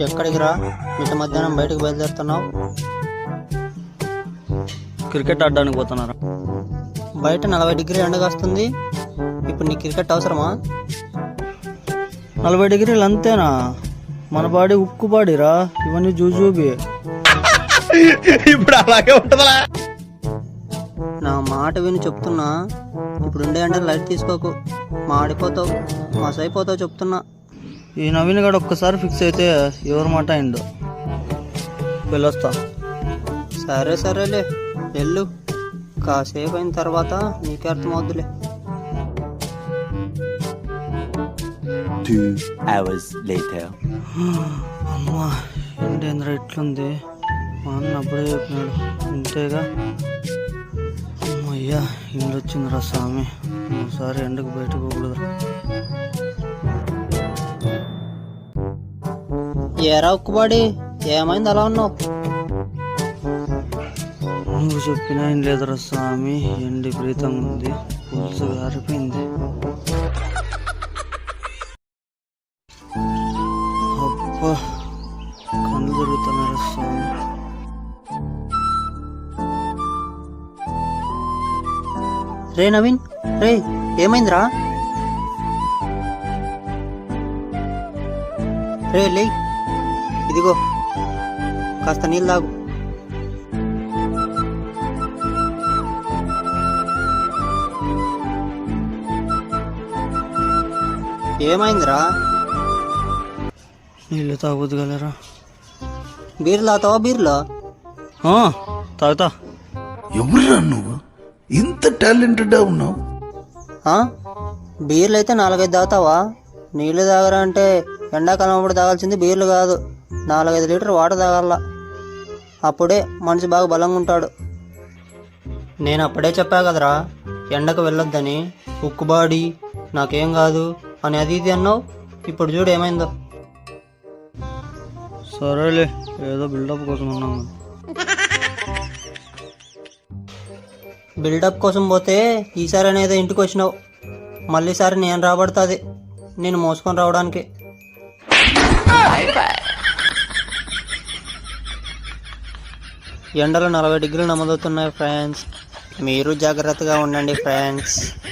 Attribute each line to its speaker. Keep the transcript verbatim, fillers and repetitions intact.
Speaker 1: ఎక్కడికి రా? ఇంత మధ్యాహ్నం బయటకు బయలుదేరుతున్నావు?
Speaker 2: క్రికెట్ ఆడడానికి పోతున్నారా?
Speaker 1: బయట నలభై డిగ్రీ ఎండగా వస్తుంది. ఇప్పుడు నీ క్రికెట్ అవసరమా?
Speaker 2: నలభై డిగ్రీలు అంతేనా? మన బాడీ ఉక్కు బాడీరా, ఇవన్నీ జూజూబి.
Speaker 3: ఇప్పుడు అలాగే ఉంటుందా?
Speaker 1: నా మాట విని చెప్తున్నా. ఇప్పుడు ఉండే అంటే లైట్ తీసుకోకు, మాడిపోతావు, మసైపోతావు చెప్తున్నా.
Speaker 2: ఈ నవీన్ గడు ఒక్కసారి ఫిక్స్ అయితే ఎవరి మాట అయిండు. వెళ్ళొస్తా.
Speaker 1: సరే సరేలే వెళ్ళు, కాసేపు అయిన తర్వాత నీకే అర్థమవుద్దులే.
Speaker 2: అమ్మా ఏంటేంద్ర ఇట్లుంది? మా అన్న అప్పుడే చెప్పినాడు ఇంతేగా. అమ్మయ్యా ఇండ్లు వచ్చిందిరా స్వామి, ఒకసారి ఎండకు బయటకు పోకూడదురా.
Speaker 1: ఏరా ఉక్కుబాడి, ఏమైంది అలా ఉన్నావు?
Speaker 2: నువ్వు చెప్పినా ఏం లేదురా స్వామి, ఎండి ప్రీతంగా ఉంది, పులుసు గారిపోయింది. అబ్బా కళ్ళు దొరుకుతున్నారా స్వామి.
Speaker 1: రే నవీన్, రే ఏమైందిరా? రే లే, ఇదిగో కాస్త నీళ్ళు తాగు. ఏమైందిరా?
Speaker 2: నీళ్ళు తాగొద్దుగలరా?
Speaker 1: బీర్లు తాగుతావా? బీర్లో
Speaker 2: తాగుతా.
Speaker 3: ఎవరురా నువ్వు? ఇంత టాలెంటెడ్ ఉన్నావు?
Speaker 1: బీర్లు అయితే నాలుగైదు తాగుతావా? నీళ్ళు తాగరా అంటే ఎండాకాలం అప్పుడు తాగాల్సింది బీర్లు కాదు, నాలుగైదు లీటర్ వాటర్ తాగాల. అప్పుడే మనిషి బాగా బలంగా ఉంటాడు. నేను అప్పుడే చెప్పా కదరా ఎండకు వెళ్ళొద్దని. ఉక్కుబాడి నాకేం కాదు అని అది ఇది అన్నావు, ఇప్పుడు చూడు ఏమైందో.
Speaker 2: సరేలే, ఏదో బిల్డప్ కోసం ఉన్నాము.
Speaker 1: బిల్డప్ కోసం పోతే ఈసారి అనేది ఇంటికి వచ్చినావు, మళ్ళీసారి నేను రాబడుతుంది నేను మోసుకొని రావడానికి. ఎండలు నలభై డిగ్రీలు నమోదవుతున్నాయి ఫ్రెండ్స్, మీరు జాగ్రత్తగా ఉండండి ఫ్రెండ్స్.